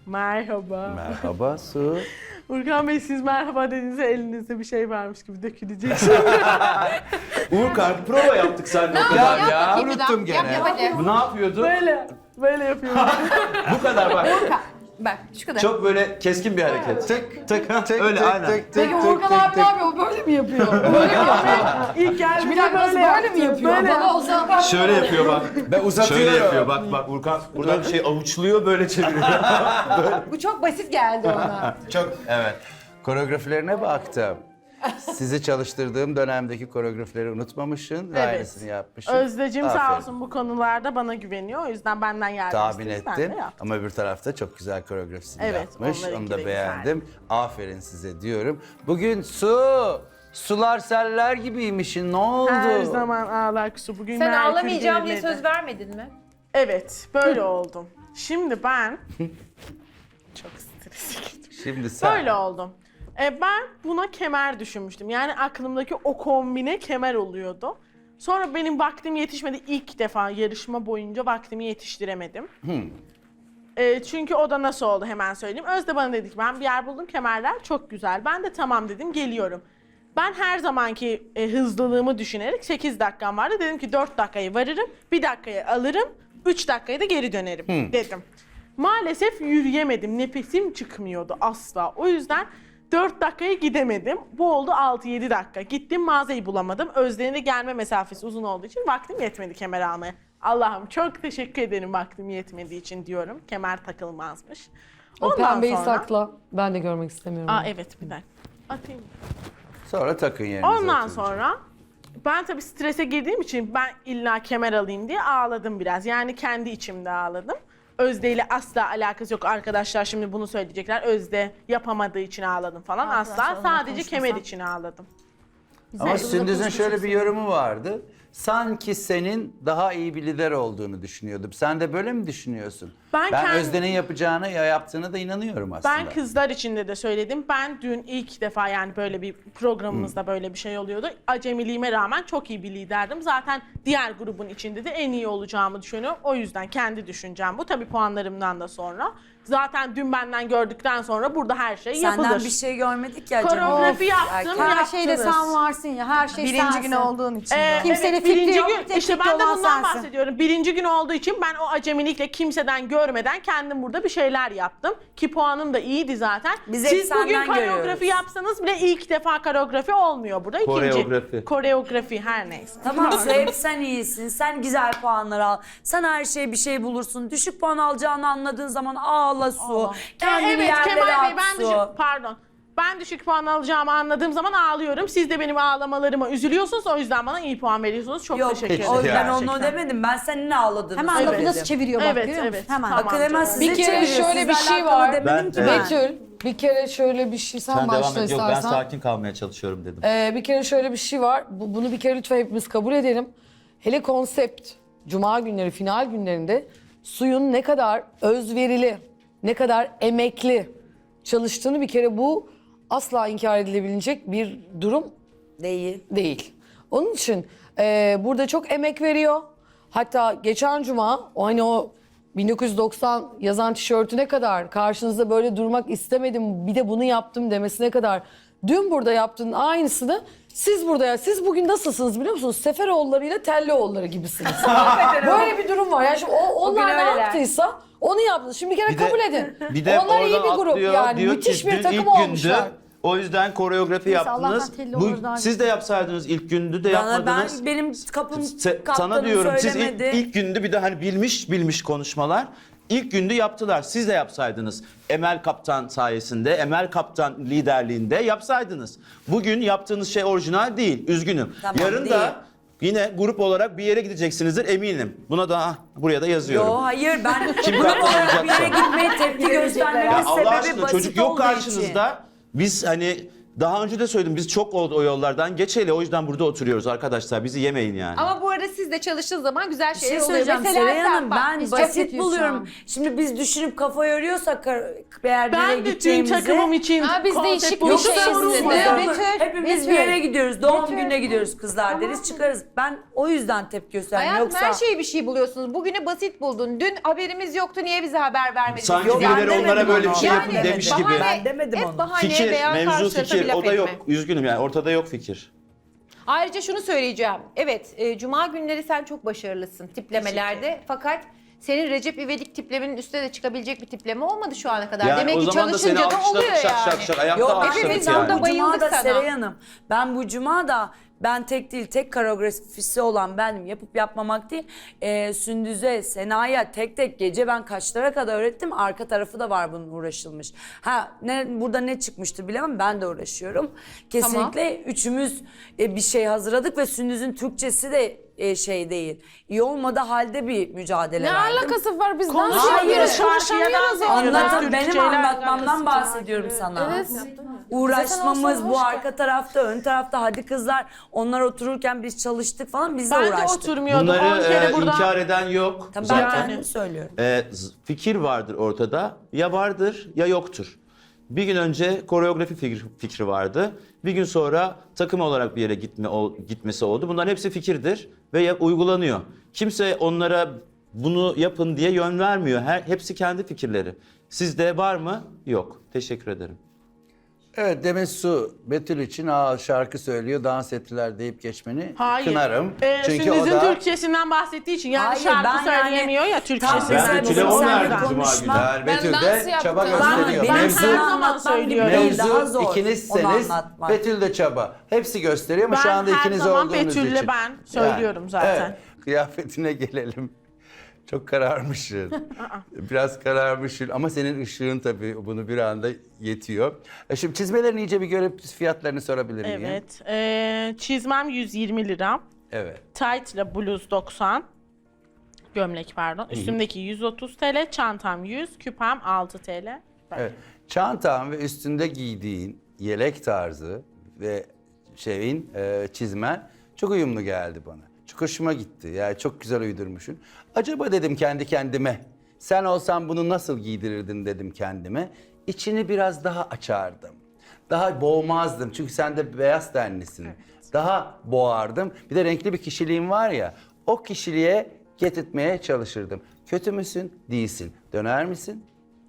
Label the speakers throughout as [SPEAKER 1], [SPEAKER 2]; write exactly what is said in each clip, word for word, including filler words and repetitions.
[SPEAKER 1] Merhaba.
[SPEAKER 2] Merhaba Su.
[SPEAKER 1] Urkan Bey siz merhaba dediğinizde elinizde bir şey varmış gibi dökülecek.
[SPEAKER 2] Urkan prova yaptık seninle o
[SPEAKER 3] Ne
[SPEAKER 2] kadar
[SPEAKER 3] yap
[SPEAKER 2] ya.
[SPEAKER 3] bakayım bir daha.
[SPEAKER 2] Unuttum gene.
[SPEAKER 3] Yap, yap hadi.
[SPEAKER 2] Bu ne yapıyordu?
[SPEAKER 1] böyle, böyle yapıyorum.
[SPEAKER 2] Bu kadar bak.
[SPEAKER 3] Urkan. Bak şu kadar.
[SPEAKER 2] Çok böyle keskin bir hareket. Tık tık ha.
[SPEAKER 4] Tık,
[SPEAKER 2] Öyle
[SPEAKER 4] tık,
[SPEAKER 2] aynen.
[SPEAKER 4] tık, tık,
[SPEAKER 3] Peki
[SPEAKER 4] tık,
[SPEAKER 3] Urkan
[SPEAKER 4] tık,
[SPEAKER 3] abi
[SPEAKER 4] tık.
[SPEAKER 3] ne yapıyor? O böyle mi yapıyor? Böyle mi yapıyor?
[SPEAKER 1] İlk geldiğinde
[SPEAKER 3] Bir dakika nasıl
[SPEAKER 1] böyle
[SPEAKER 3] böyle mi
[SPEAKER 1] yaptım,
[SPEAKER 3] yapıyor?
[SPEAKER 1] böyle.
[SPEAKER 3] Bana olsa
[SPEAKER 2] Şöyle yapıyor bak.
[SPEAKER 4] Ben uzatıyorum.
[SPEAKER 2] Şöyle yapıyor bak bak Urkan burada bir şey avuçluyor böyle çeviriyor.
[SPEAKER 3] bu çok basit geldi ona.
[SPEAKER 4] Çok
[SPEAKER 2] Evet.
[SPEAKER 4] koreografilerine baktım. Sizi çalıştırdığım dönemdeki koreografileri unutmamışsın ve
[SPEAKER 1] Evet.
[SPEAKER 4] aynısını yapmışsın.
[SPEAKER 1] Özdeciğim sağ
[SPEAKER 4] Aferin.
[SPEAKER 1] olsun bu konularda bana güveniyor. O yüzden benden yardım
[SPEAKER 4] Tahmin
[SPEAKER 1] istedi, ben de
[SPEAKER 4] ettim
[SPEAKER 1] yaptım.
[SPEAKER 4] ama öbür tarafta çok güzel koreografisini
[SPEAKER 1] Evet,
[SPEAKER 4] yapmış.
[SPEAKER 1] onlarınki
[SPEAKER 4] Onu
[SPEAKER 1] de
[SPEAKER 4] da
[SPEAKER 1] güzel.
[SPEAKER 4] beğendim. Aferin size diyorum. Bugün su, sular seller gibiymişsin. Ne oldu?
[SPEAKER 1] Her zaman ağlak su. Bugün
[SPEAKER 5] Sen
[SPEAKER 1] Merkür
[SPEAKER 5] ağlamayacağım diye
[SPEAKER 1] geriledi.
[SPEAKER 5] söz vermedin mi?
[SPEAKER 1] Evet, böyle oldum. Şimdi ben... Çok stresli.
[SPEAKER 4] Şimdi sen.
[SPEAKER 1] Böyle oldum. E, ben buna kemer düşünmüştüm. Yani aklımdaki o kombine kemer oluyordu. Sonra benim vaktim yetişmedi. İlk defa yarışma boyunca vaktimi yetiştiremedim. E, çünkü o da nasıl oldu hemen söyleyeyim. Özde bana dedi ki ben bir yer buldum, kemerler çok güzel. Ben de tamam dedim, geliyorum. Ben her zamanki e, hızlılığımı düşünerek sekiz dakikam vardı. Dedim ki dört dakikayı varırım, bir dakikayı alırım, üç dakikaya da geri dönerim dedim. Maalesef yürüyemedim, nefesim çıkmıyordu asla. O yüzden dört dakikaya gidemedim. Bu oldu altı yedi dakika. Gittim mağazayı bulamadım. Özde'nin de gelme mesafesi uzun olduğu için vaktim yetmedi kemer almaya. Allah'ım çok teşekkür ederim vaktim yetmediği için diyorum. Kemer takılmazmış.
[SPEAKER 6] O pembeyi sakla. Ben de görmek istemiyorum.
[SPEAKER 1] Aa evet bir dakika. Atayım.
[SPEAKER 4] Sonra takın yerinize.
[SPEAKER 1] Ondan
[SPEAKER 4] oturun.
[SPEAKER 1] sonra ben tabii strese girdiğim için ben illa kemer alayım diye ağladım biraz. Yani kendi içimde ağladım. Özde ile asla alakası yok arkadaşlar, şimdi bunu söyleyecekler. Özde yapamadığı için ağladım falan. Asla sadece kemer için ağladım.
[SPEAKER 4] Ama Sündüz'ün şöyle bir yorumu vardı. Sanki senin daha iyi bir lider olduğunu düşünüyordum. Sen de böyle mi düşünüyorsun?
[SPEAKER 1] Ben
[SPEAKER 4] Ben
[SPEAKER 1] kend-
[SPEAKER 4] Özde'nin yapacağını ya yaptığına da inanıyorum aslında.
[SPEAKER 1] Ben kızlar içinde de söyledim. Ben dün ilk defa, yani böyle bir programımızda böyle bir şey oluyordu. Acemiliğime rağmen çok iyi bir liderdim. Zaten diğer grubun içinde de en iyi olacağımı düşünüyorum. O yüzden kendi düşüncem bu. Tabii puanlarımdan da sonra. Zaten dün benden gördükten sonra burada her şey yapılır.
[SPEAKER 7] Senden bir şey görmedik ya canım.
[SPEAKER 1] Koreografi
[SPEAKER 7] Of,
[SPEAKER 1] yaptım,
[SPEAKER 7] erkek.
[SPEAKER 3] Her şeyde
[SPEAKER 1] yaptınız.
[SPEAKER 3] sen varsın ya. Her şey
[SPEAKER 7] Birinci
[SPEAKER 3] sensin.
[SPEAKER 7] gün olduğun için.
[SPEAKER 1] Ee,
[SPEAKER 3] Kimsenin
[SPEAKER 1] evet,
[SPEAKER 3] fikri
[SPEAKER 1] birinci
[SPEAKER 3] yok,
[SPEAKER 1] gün,
[SPEAKER 3] tek
[SPEAKER 1] işte
[SPEAKER 3] fikri
[SPEAKER 1] ben de
[SPEAKER 3] olan
[SPEAKER 1] bundan
[SPEAKER 3] sensin.
[SPEAKER 1] bahsediyorum. Birinci gün olduğu için ben o acemilikle kimseden görmeden kendim burada bir şeyler yaptım. Ki puanım da iyiydi zaten.
[SPEAKER 7] Biz hep
[SPEAKER 1] Siz bugün
[SPEAKER 7] senden
[SPEAKER 1] koreografi
[SPEAKER 7] görüyoruz.
[SPEAKER 1] yapsanız bile ilk defa koreografi olmuyor burada. İkinci.
[SPEAKER 2] Koreografi.
[SPEAKER 1] Koreografi her neyse.
[SPEAKER 7] Tamam hep sen iyisin. Sen güzel puanlar al. Sen her şeye bir şey bulursun. Düşük puan alacağını anladığın zaman ağla su. Kendini
[SPEAKER 1] evet
[SPEAKER 7] yerlere
[SPEAKER 1] Kemal Bey
[SPEAKER 7] at
[SPEAKER 1] ben
[SPEAKER 7] su.
[SPEAKER 1] düşük, pardon. Ben düşük puan alacağımı anladığım zaman ağlıyorum. Siz de benim ağlamalarıma üzülüyorsunuz. O yüzden bana iyi puan veriyorsunuz. Çok
[SPEAKER 7] Yok
[SPEAKER 1] teşekkür ederim.
[SPEAKER 7] o, ben
[SPEAKER 4] Yani.
[SPEAKER 7] onu demedim. Ben senin ağladığını
[SPEAKER 3] Hemen
[SPEAKER 7] söyledim.
[SPEAKER 3] lafı nasıl çeviriyor bak,
[SPEAKER 1] Evet,
[SPEAKER 3] görüyor musun?
[SPEAKER 1] evet.
[SPEAKER 3] Hemen.
[SPEAKER 1] Tamam.
[SPEAKER 7] Akıl hemen size
[SPEAKER 6] Bir kere
[SPEAKER 7] çeviriyor.
[SPEAKER 6] şöyle bir
[SPEAKER 7] Sizle
[SPEAKER 6] şey
[SPEAKER 7] alakalı
[SPEAKER 6] var.
[SPEAKER 7] demedim ki
[SPEAKER 2] Ben-
[SPEAKER 7] ben.
[SPEAKER 6] Betül, bir kere şöyle bir şey, sen,
[SPEAKER 2] Sen devam
[SPEAKER 6] başla
[SPEAKER 2] et. Yok ben
[SPEAKER 6] istersen.
[SPEAKER 2] sakin kalmaya çalışıyorum dedim.
[SPEAKER 6] Ee, bir kere şöyle bir şey var. Bu- bunu bir kere lütfen hepimiz kabul edelim. Hele konsept, cuma günleri, final günlerinde suyun ne kadar özverili, ne kadar emekli çalıştığını bir kere bu asla inkar edilebilecek bir durum
[SPEAKER 7] Değil.
[SPEAKER 6] değil. Onun için e, burada çok emek veriyor. Hatta geçen cuma o hani o bin dokuz yüz doksan yazan tişörtüne kadar karşınızda böyle durmak istemedim, bir de bunu yaptım demesine kadar dün burada yaptığın aynısını siz burada ya siz bugün nasılsınız biliyor musunuz? Seferoğulları ile Tellioğulları gibisiniz. Böyle bir durum var. Yani şimdi o, onlar ne
[SPEAKER 7] öyleler.
[SPEAKER 6] yaptıysa onu yaptınız. Şimdi bir kere
[SPEAKER 2] Bir de-
[SPEAKER 6] kabul edin.
[SPEAKER 2] Bir de
[SPEAKER 6] onlar iyi
[SPEAKER 2] oradan
[SPEAKER 6] bir grup
[SPEAKER 2] atlıyor,
[SPEAKER 6] yani.
[SPEAKER 2] diyor
[SPEAKER 6] Müthiş
[SPEAKER 2] ki,
[SPEAKER 6] bir
[SPEAKER 2] dün
[SPEAKER 6] takım
[SPEAKER 2] ilk
[SPEAKER 6] olmuşlar.
[SPEAKER 2] gündü. O yüzden koreografi
[SPEAKER 3] Neyse,
[SPEAKER 2] yaptınız.
[SPEAKER 3] Allah'tan telli
[SPEAKER 2] Bu,
[SPEAKER 3] olur daha
[SPEAKER 2] siz de yapsaydınız ilk gündü de
[SPEAKER 7] Bana ben
[SPEAKER 2] yapmadınız.
[SPEAKER 7] benim kapım
[SPEAKER 2] Se-
[SPEAKER 7] kaptanım
[SPEAKER 2] sana diyorum siz ilk,
[SPEAKER 7] söylemedi.
[SPEAKER 2] ilk gündü bir de hani bilmiş bilmiş konuşmalar. İlk gündü yaptılar. Siz de yapsaydınız. Emel Kaptan sayesinde, Emel Kaptan liderliğinde yapsaydınız. Bugün yaptığınız şey orijinal değil. Üzgünüm.
[SPEAKER 7] Tamam,
[SPEAKER 2] Yarın
[SPEAKER 7] değil.
[SPEAKER 2] da yine grup olarak bir yere gideceksinizdir eminim. Buna da ah, buraya da yazıyorum.
[SPEAKER 7] Yo hayır ben
[SPEAKER 2] Kim
[SPEAKER 7] grup olarak bir
[SPEAKER 2] kaptanacaksa.
[SPEAKER 7] yere gitmeye tepki göstermemin
[SPEAKER 2] Ya Allah
[SPEAKER 7] sebebi
[SPEAKER 2] aşkına
[SPEAKER 7] basit
[SPEAKER 2] çocuk yok
[SPEAKER 7] olduğu için.
[SPEAKER 2] karşınızda. Biz hani Daha önce de söyledim biz çok oldu o yollardan geçeli o yüzden burada oturuyoruz arkadaşlar bizi yemeyin yani.
[SPEAKER 5] Ama bu arada siz de çalıştığınız zaman güzel
[SPEAKER 7] Bir
[SPEAKER 5] şeyler
[SPEAKER 7] şey
[SPEAKER 5] oluyor.
[SPEAKER 7] söyleyeceğim
[SPEAKER 5] Mesela
[SPEAKER 7] Seray
[SPEAKER 5] sen
[SPEAKER 7] Hanım
[SPEAKER 5] bak,
[SPEAKER 7] ben
[SPEAKER 5] biz
[SPEAKER 7] basit
[SPEAKER 3] kötüyüz şu
[SPEAKER 7] buluyorum.
[SPEAKER 3] an.
[SPEAKER 7] Şimdi biz düşünüp kafa yoruyorsak kar- eğer bir yere
[SPEAKER 1] Ben de tüm
[SPEAKER 7] gideceğimizi...
[SPEAKER 1] takımım için
[SPEAKER 5] Ha, biz
[SPEAKER 1] konsept
[SPEAKER 5] değişik bir
[SPEAKER 1] buluşu
[SPEAKER 5] şey
[SPEAKER 1] sorun
[SPEAKER 5] istedik.
[SPEAKER 1] mu?
[SPEAKER 7] Betül,
[SPEAKER 3] Betül,
[SPEAKER 7] hepimiz
[SPEAKER 3] Betül.
[SPEAKER 7] bir yere gidiyoruz. Doğum
[SPEAKER 3] Betül.
[SPEAKER 7] gününe gidiyoruz kızlar deriz çıkarız. Ben o yüzden tepki gösterdim.
[SPEAKER 5] Hayatım
[SPEAKER 7] Yoksa...
[SPEAKER 5] her şeyi bir şey buluyorsunuz. Bugünü basit buldun. Dün haberimiz yoktu. Niye bize haber vermediniz?
[SPEAKER 2] Sanki
[SPEAKER 7] Yok, ben
[SPEAKER 2] birileri
[SPEAKER 7] demedim
[SPEAKER 2] onlara böyle bir
[SPEAKER 7] onu.
[SPEAKER 2] şey
[SPEAKER 5] Yani
[SPEAKER 2] yapın demiş gibi.
[SPEAKER 5] bahane-
[SPEAKER 7] Ben demedim
[SPEAKER 5] hep
[SPEAKER 7] onu.
[SPEAKER 5] bahaneye
[SPEAKER 2] Fikir,
[SPEAKER 5] veya
[SPEAKER 2] mevzu
[SPEAKER 5] karşı tarafa
[SPEAKER 2] fikir
[SPEAKER 5] bir laf
[SPEAKER 2] o da yok.
[SPEAKER 5] etme.
[SPEAKER 2] Üzgünüm yani ortada yok fikir.
[SPEAKER 5] Ayrıca şunu söyleyeceğim. Evet, e, cuma günleri sen çok başarılısın tiplemelerde. Fakat senin Recep İvedik tiplemenin üstüne de çıkabilecek bir tipleme olmadı şu ana kadar.
[SPEAKER 2] Yani
[SPEAKER 5] Demek
[SPEAKER 2] o
[SPEAKER 5] ki
[SPEAKER 2] zaman da seni
[SPEAKER 5] çalışınca da oluyor
[SPEAKER 2] alkışladık şak
[SPEAKER 5] yani.
[SPEAKER 2] şak şak ayakta
[SPEAKER 7] Yok ben
[SPEAKER 2] alkışladık
[SPEAKER 5] hepimiz
[SPEAKER 7] ben
[SPEAKER 5] burada
[SPEAKER 2] yani.
[SPEAKER 7] bu cuma
[SPEAKER 5] bayıldık
[SPEAKER 7] da
[SPEAKER 5] sana.
[SPEAKER 7] Seray Hanım. Ben bu cuma da ben tek değil tek koreografisi olan benim yapıp yapmamak değil. Ee, Sündüz'e, Sena'ya tek tek gece ben kaçlara kadar öğrettim. Arka tarafı da var bunun uğraşılmış. Ha ne burada ne çıkmıştır bilemem ben de uğraşıyorum. Kesinlikle üçümüz e, bir şey hazırladık ve Sündüz'ün Türkçesi de e, şey değil. İyi olmadı halde bir mücadele
[SPEAKER 6] Ne
[SPEAKER 7] verdim.
[SPEAKER 6] alakası var biz dans
[SPEAKER 1] Konuşamıyoruz,
[SPEAKER 6] ediyoruz,
[SPEAKER 1] şarkıya
[SPEAKER 6] konuşamıyoruz
[SPEAKER 1] dans
[SPEAKER 6] ya.
[SPEAKER 1] ediyoruz.
[SPEAKER 7] Anlatan
[SPEAKER 1] Türk
[SPEAKER 7] benim
[SPEAKER 1] şeyler
[SPEAKER 7] anlatmamdan
[SPEAKER 1] alakası.
[SPEAKER 7] bahsediyorum sana.
[SPEAKER 6] Evet.
[SPEAKER 7] Uğraşmamız
[SPEAKER 6] Zaten
[SPEAKER 7] bu
[SPEAKER 6] olsa hoş
[SPEAKER 7] arka tarafta, ön tarafta hadi kızlar onlar otururken biz çalıştık falan biz de
[SPEAKER 1] Ben de
[SPEAKER 7] uğraştık.
[SPEAKER 1] oturmuyordum. on
[SPEAKER 2] Bunları
[SPEAKER 1] kere
[SPEAKER 2] e,
[SPEAKER 1] burada.
[SPEAKER 2] inkar eden yok
[SPEAKER 7] Tabii ben
[SPEAKER 2] zaten.
[SPEAKER 7] kendim söylüyorum.
[SPEAKER 2] E, z- fikir vardır ortada. Ya vardır ya yoktur. Bir gün önce koreografi fikri, fikri vardı. Bir gün sonra takım olarak bir yere gitme ol- gitmesi oldu. Bunların hepsi fikirdir ve ya- uygulanıyor. Kimse onlara bunu yapın diye yön vermiyor. Her, hepsi kendi fikirleri. Sizde var mı? Yok. Teşekkür ederim.
[SPEAKER 4] Evet Demet Su Betül için aa, şarkı söylüyor dans ettiler deyip geçmeni
[SPEAKER 1] Hayır.
[SPEAKER 4] kınarım.
[SPEAKER 1] Ee,
[SPEAKER 4] Çünkü o
[SPEAKER 1] Sündüz'ün
[SPEAKER 4] da
[SPEAKER 1] Türkçesinden bahsettiği için yani
[SPEAKER 7] Hayır,
[SPEAKER 1] şarkı
[SPEAKER 7] ben yani
[SPEAKER 1] söyleyemiyor ya
[SPEAKER 7] tam
[SPEAKER 1] Türkçesi.
[SPEAKER 7] mesela
[SPEAKER 2] Ben Betül'e
[SPEAKER 7] bizim
[SPEAKER 2] on
[SPEAKER 7] seninle
[SPEAKER 2] verdim Cuma
[SPEAKER 7] konuşma-
[SPEAKER 2] günü.
[SPEAKER 4] Betül
[SPEAKER 6] dans
[SPEAKER 4] de
[SPEAKER 6] yaptım.
[SPEAKER 4] çaba
[SPEAKER 6] Ben-
[SPEAKER 4] gösteriyor.
[SPEAKER 7] benim
[SPEAKER 1] Ben
[SPEAKER 4] Mevzu,
[SPEAKER 1] her
[SPEAKER 7] sana
[SPEAKER 1] zaman
[SPEAKER 7] anlatmam gibi
[SPEAKER 1] söylüyorum.
[SPEAKER 7] değil, daha
[SPEAKER 4] mevzu
[SPEAKER 7] zor onu
[SPEAKER 4] ikinizseniz
[SPEAKER 7] anlatmak.
[SPEAKER 4] Betül de çaba. Hepsi gösteriyor ama
[SPEAKER 1] Ben
[SPEAKER 4] şu anda
[SPEAKER 1] her
[SPEAKER 4] ikiniz
[SPEAKER 1] zaman
[SPEAKER 4] olduğunuz
[SPEAKER 1] Betül'le
[SPEAKER 4] için.
[SPEAKER 1] ben söylüyorum zaten.
[SPEAKER 4] Evet, kıyafetine gelelim. Çok kararmışsın. Biraz kararmışsın ama senin ışığın tabii bunu bir anda yetiyor. E şimdi çizmelerini iyice bir görüp fiyatlarını sorabilir miyim?
[SPEAKER 1] Evet. Ee, çizmem yüz yirmi lira.
[SPEAKER 4] Evet.
[SPEAKER 1] Tight ile bluz doksan. Gömlek pardon. Üstümdeki yüz otuz TL. Çantam yüz. Küpem altı TL.
[SPEAKER 4] Evet. Çantan ve üstünde giydiğin yelek tarzı ve şeyin e, çizmen çok uyumlu geldi bana. Çok hoşuma gitti. Yani çok güzel uydurmuşsun. Acaba dedim kendi kendime. Sen olsan bunu nasıl giydirirdin dedim kendime. İçini biraz daha açardım. Daha boğmazdım. Çünkü sen de beyaz tenlisin. Daha boğardım. Bir de renkli bir kişiliğin var ya. O kişiliğe getirtmeye çalışırdım. Kötü müsün? Değilsin. Döner misin?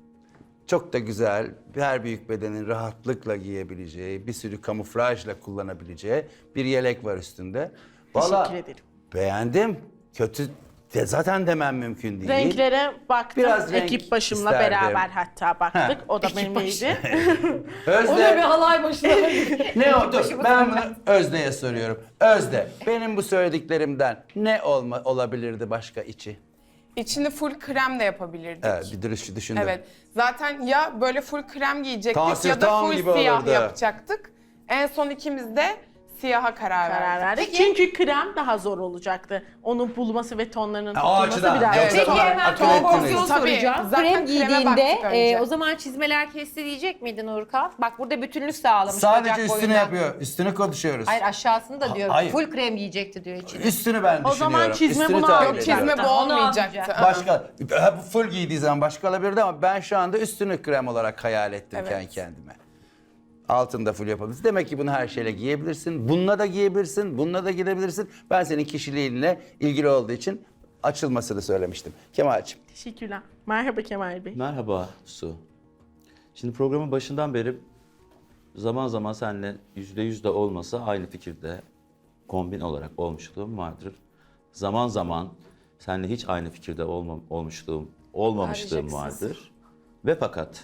[SPEAKER 4] Çok da güzel, her büyük bedenin rahatlıkla giyebileceği, bir sürü kamuflajla kullanabileceği bir yelek var üstünde. Vallahi
[SPEAKER 1] Teşekkür ederim.
[SPEAKER 4] beğendim. Kötü de zaten demem mümkün değil.
[SPEAKER 1] Renklere baktım.
[SPEAKER 4] Biraz renk
[SPEAKER 1] Ekip başımla
[SPEAKER 4] isterdim.
[SPEAKER 1] beraber hatta baktık.
[SPEAKER 4] Ha,
[SPEAKER 1] O da
[SPEAKER 4] ekip
[SPEAKER 1] benimleydi.
[SPEAKER 6] O da bir
[SPEAKER 4] Özde,
[SPEAKER 6] halay başına.
[SPEAKER 4] ne oldu? Ben bunu Özde'ye soruyorum. Özde, benim bu söylediklerimden ne olma, olabilirdi başka içi?
[SPEAKER 8] İçini full krem de yapabilirdik.
[SPEAKER 4] Evet, bir dürüst düşündüm.
[SPEAKER 8] Evet. Zaten ya böyle full krem giyecektik
[SPEAKER 4] Tansır
[SPEAKER 8] ya da
[SPEAKER 4] tam
[SPEAKER 8] full
[SPEAKER 4] gibi
[SPEAKER 8] siyah
[SPEAKER 4] olurdu.
[SPEAKER 8] yapacaktık. En son ikimiz de siyaha karar,
[SPEAKER 1] Karar
[SPEAKER 8] verdik.
[SPEAKER 1] verdik. Çünkü krem daha zor olacaktı. Onun bulması ve tonlarının
[SPEAKER 4] Ha, o
[SPEAKER 1] tutulması
[SPEAKER 4] açıdan.
[SPEAKER 1] biraz
[SPEAKER 4] Yoksa
[SPEAKER 1] zor.
[SPEAKER 3] Peki hemen
[SPEAKER 4] akıl
[SPEAKER 3] kompozisyon
[SPEAKER 4] ettiniz.
[SPEAKER 8] Tabii,
[SPEAKER 3] soracağım.
[SPEAKER 8] zaten
[SPEAKER 3] Krem
[SPEAKER 8] kreme
[SPEAKER 3] giydiğinde
[SPEAKER 8] baktık önce.
[SPEAKER 3] e, o zaman çizmeler kesti diyecek miydin Urkan? Bak burada bütünlük sağlamış
[SPEAKER 4] Sadece
[SPEAKER 3] bacak
[SPEAKER 4] üstünü
[SPEAKER 3] boyunda.
[SPEAKER 4] yapıyor. Üstünü konuşuyoruz.
[SPEAKER 3] Hayır aşağısını da diyorum.
[SPEAKER 4] hayır.
[SPEAKER 3] Full krem giyecekti diyor içine.
[SPEAKER 4] Üstünü ben
[SPEAKER 1] O
[SPEAKER 4] düşünüyorum.
[SPEAKER 1] zaman çizme
[SPEAKER 4] Üstünü
[SPEAKER 1] bunu
[SPEAKER 4] tahmin
[SPEAKER 1] alacak.
[SPEAKER 4] ediyorum.
[SPEAKER 8] Çizme bu
[SPEAKER 3] Onu
[SPEAKER 8] olmayacaktı.
[SPEAKER 3] almayacak.
[SPEAKER 4] Başka, ha, bu full giydiği zaman başka olabilirdi ama ben şu anda üstünü krem olarak hayal ettim
[SPEAKER 8] Evet.
[SPEAKER 4] kendi kendime. Altında full yapabilirsin. Demek ki bunu her şeyle giyebilirsin. Bununla da giyebilirsin, bununla da gidebilirsin. Ben senin kişiliğinle ilgili olduğu için açılmasını söylemiştim. Kemal'cim.
[SPEAKER 1] Teşekkürler. Merhaba Kemal Bey.
[SPEAKER 2] Merhaba Su. Şimdi programın başından beri zaman zaman seninle yüzde yüz de olmasa aynı fikirde kombin olarak olmuşluğum vardır. Zaman zaman seninle hiç aynı fikirde olma, olmuşluğum, olmamışlığım vardır. Ve fakat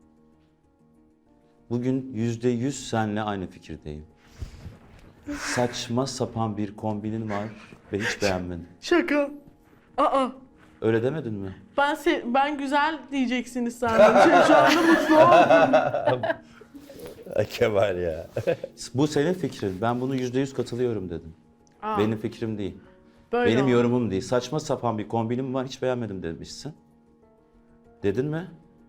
[SPEAKER 2] bugün yüzde yüz seninle aynı fikirdeyim. Saçma sapan bir kombinin var ve hiç beğenmedim.
[SPEAKER 1] Şaka. Aa.
[SPEAKER 2] Öyle demedin mi?
[SPEAKER 1] Ben se- ben güzel diyeceksiniz sandım. Çünkü şu anda mutlu oldum.
[SPEAKER 4] Kemal ya.
[SPEAKER 2] Bu senin fikrin. Ben bunu yüzde yüz katılıyorum dedim.
[SPEAKER 1] Aa,
[SPEAKER 2] Benim fikrim değil.
[SPEAKER 1] böyle
[SPEAKER 2] Benim
[SPEAKER 1] oldu.
[SPEAKER 2] yorumum değil. Saçma sapan bir kombinim var, hiç beğenmedim demişsin. Dedin mi?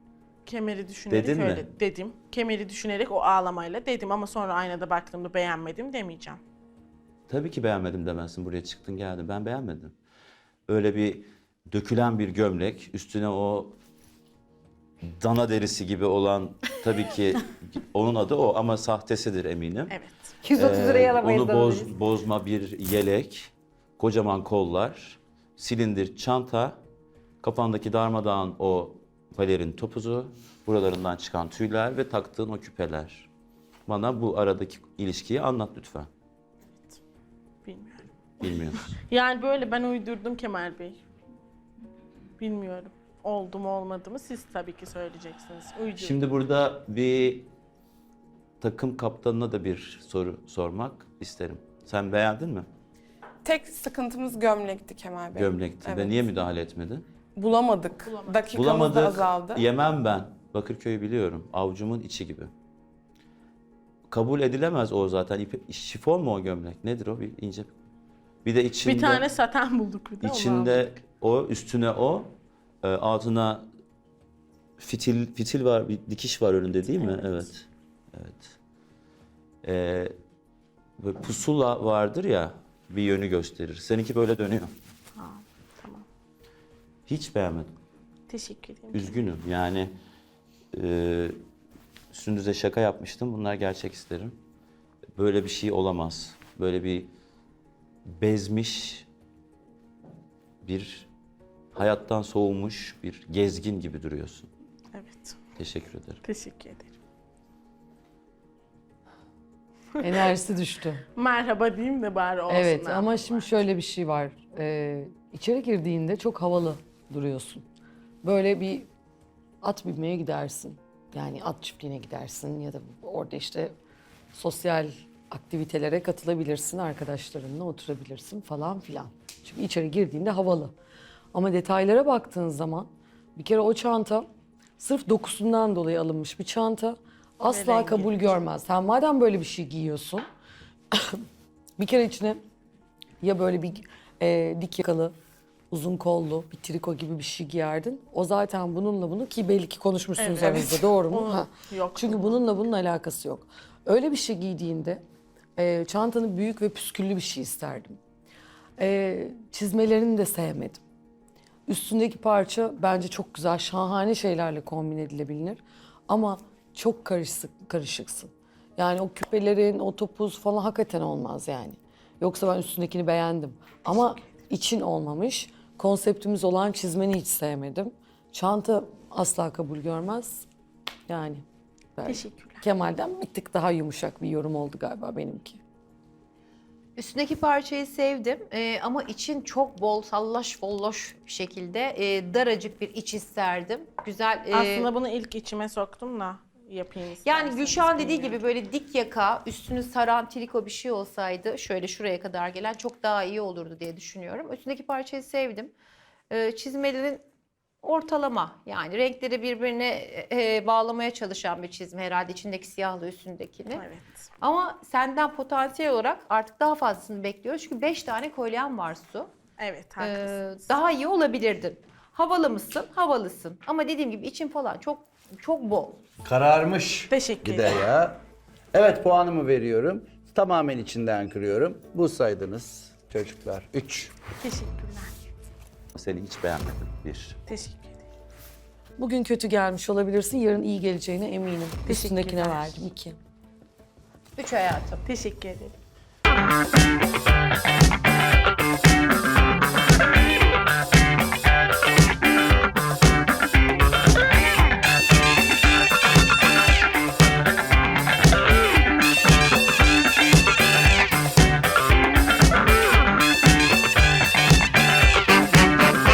[SPEAKER 1] Kemeri düşünerek
[SPEAKER 2] Dedin mi?
[SPEAKER 1] öyle dedim. Kemeri düşünerek o ağlamayla dedim ama sonra aynada baktığımda beğenmedim demeyeceğim.
[SPEAKER 2] Tabii ki beğenmedim demezsin. Buraya çıktın geldin. Ben beğenmedim. Öyle bir dökülen bir gömlek, üstüne o dana derisi gibi olan, tabii ki onun adı o ama sahtesidir eminim.
[SPEAKER 1] Evet.
[SPEAKER 3] yüz otuz liraya
[SPEAKER 2] Ee,
[SPEAKER 3] alamayız.
[SPEAKER 2] Onu
[SPEAKER 3] da
[SPEAKER 2] boz,
[SPEAKER 3] alırız.
[SPEAKER 2] bozma bir yelek, kocaman kollar, silindir çanta, kafandaki darmadağın o palerin topuzu, buralarından çıkan tüyler ve taktığın o küpeler. Bana bu aradaki ilişkiyi anlat lütfen.
[SPEAKER 1] Bilmiyorum.
[SPEAKER 2] Bilmiyorsun.
[SPEAKER 1] Yani böyle ben uydurdum Kemal Bey. Bilmiyorum. Oldu mu olmadı mı siz tabii ki söyleyeceksiniz. Uydurdum.
[SPEAKER 2] Şimdi burada bir takım kaptanına da bir soru sormak isterim. Sen beğendin mi?
[SPEAKER 8] Tek sıkıntımız gömlekti Kemal Bey.
[SPEAKER 2] Gömlekti
[SPEAKER 8] Evet.
[SPEAKER 2] ve niye müdahale etmedin?
[SPEAKER 8] Bulamadık. Dakikamız da
[SPEAKER 2] Bulamadık,
[SPEAKER 8] azaldı.
[SPEAKER 2] yemem ben. Bakırköy'ü biliyorum. Avucumun içi gibi. Kabul edilemez o zaten. İpi, şifon mu o gömlek? Nedir o? Bir ince. Bir de içinde,
[SPEAKER 1] bir tane saten bulduk bir de onu
[SPEAKER 2] içinde
[SPEAKER 1] aldık.
[SPEAKER 2] o, üstüne o, e, altına fitil fitil var, bir dikiş var önünde değil mi? Evet. Evet. Ee, böyle pusula vardır ya, bir yönü gösterir. Seninki böyle dönüyor.
[SPEAKER 1] Ha, tamam.
[SPEAKER 2] Hiç beğenmedim.
[SPEAKER 1] Teşekkür ederim.
[SPEAKER 2] Üzgünüm yani e, Sündüz'e şaka yapmıştım. Bunlar gerçek isterim. Böyle bir şey olamaz. Böyle bir bezmiş, bir hayattan soğumuş bir gezgin gibi duruyorsun.
[SPEAKER 1] Evet.
[SPEAKER 2] Teşekkür ederim.
[SPEAKER 1] Teşekkür ederim.
[SPEAKER 6] Enerjisi düştü.
[SPEAKER 1] Merhaba diyeyim de bari olsun.
[SPEAKER 6] Evet
[SPEAKER 1] ha.
[SPEAKER 6] ama şimdi şöyle bir şey var. Ee, içeri girdiğinde çok havalı duruyorsun. Böyle bir at binmeye gidersin. Yani at çiftliğine gidersin ya da orada işte sosyal aktivitelere katılabilirsin, arkadaşlarınla oturabilirsin falan filan. Çünkü içeri girdiğinde havalı. Ama detaylara baktığın zaman bir kere o çanta sırf dokusundan dolayı alınmış bir çanta. Asla
[SPEAKER 1] rengi.
[SPEAKER 6] kabul görmez. Sen madem böyle bir şey giyiyorsun, bir kere içine ya böyle bir e, dik yakalı, uzun kollu bir triko gibi bir şey giyerdin. O zaten bununla bunu ki belli ki konuşmuşsunuz
[SPEAKER 1] Evet,
[SPEAKER 6] aranızda
[SPEAKER 1] evet.
[SPEAKER 6] doğru mu?
[SPEAKER 1] Onu
[SPEAKER 6] Ha.
[SPEAKER 1] yok.
[SPEAKER 6] Çünkü bununla bunun alakası yok. Öyle bir şey giydiğinde e, çantanı büyük ve püsküllü bir şey isterdim. E, çizmelerini de sevmedim. Üstündeki parça bence çok güzel, şahane şeylerle kombin edilebilir. Ama çok karışık, karışıksın. Yani o küpelerin, o topuz falan hakikaten olmaz yani. Yoksa ben üstündekini beğendim. Ama için olmamış. Konseptimiz olan çizmeni hiç sevmedim. Çanta asla kabul görmez. Yani. belki
[SPEAKER 1] Teşekkürler.
[SPEAKER 6] Kemal'den bir tık daha yumuşak bir yorum oldu galiba benimki.
[SPEAKER 5] Üstündeki parçayı sevdim Ee, ama için çok bol, sallaş folloş bir şekilde e, daracık bir iç isterdim. Güzel. e,
[SPEAKER 1] Aslında bunu ilk içime soktum da yapayım
[SPEAKER 5] Yani
[SPEAKER 1] isterseniz,
[SPEAKER 5] Gülşah'ın dediği
[SPEAKER 1] bilmiyorum.
[SPEAKER 5] gibi böyle dik yaka, üstünü saran triko bir şey olsaydı şöyle şuraya kadar gelen çok daha iyi olurdu diye düşünüyorum. Üstündeki parçayı sevdim. Ee, çizmelerin ortalama yani renkleri birbirine e, bağlamaya çalışan bir çizme herhalde içindeki siyahla üstündekini.
[SPEAKER 1] Evet.
[SPEAKER 5] Ama senden potansiyel olarak artık daha fazlasını bekliyoruz. Çünkü beş tane kolyen var Su.
[SPEAKER 1] Evet,
[SPEAKER 5] Ee,
[SPEAKER 1] haklısınız.
[SPEAKER 5] daha iyi olabilirdin. Havalı mısın? Havalısın. Ama dediğim gibi için falan çok çok bol.
[SPEAKER 4] Kararmış.
[SPEAKER 1] Teşekkür
[SPEAKER 4] Gide
[SPEAKER 1] ederim.
[SPEAKER 4] ya. Evet puanımı veriyorum. Tamamen içinden kırıyorum. Bu saydınız çocuklar. Üç.
[SPEAKER 1] Teşekkürler.
[SPEAKER 2] Seni hiç beğenmedim. Bir.
[SPEAKER 1] Teşekkür ederim.
[SPEAKER 6] Bugün kötü gelmiş olabilirsin, yarın iyi geleceğine eminim. Üstündekine
[SPEAKER 1] Teşekkürler.
[SPEAKER 6] verdim iki.
[SPEAKER 5] Üç hayatım.
[SPEAKER 1] Teşekkür ederim.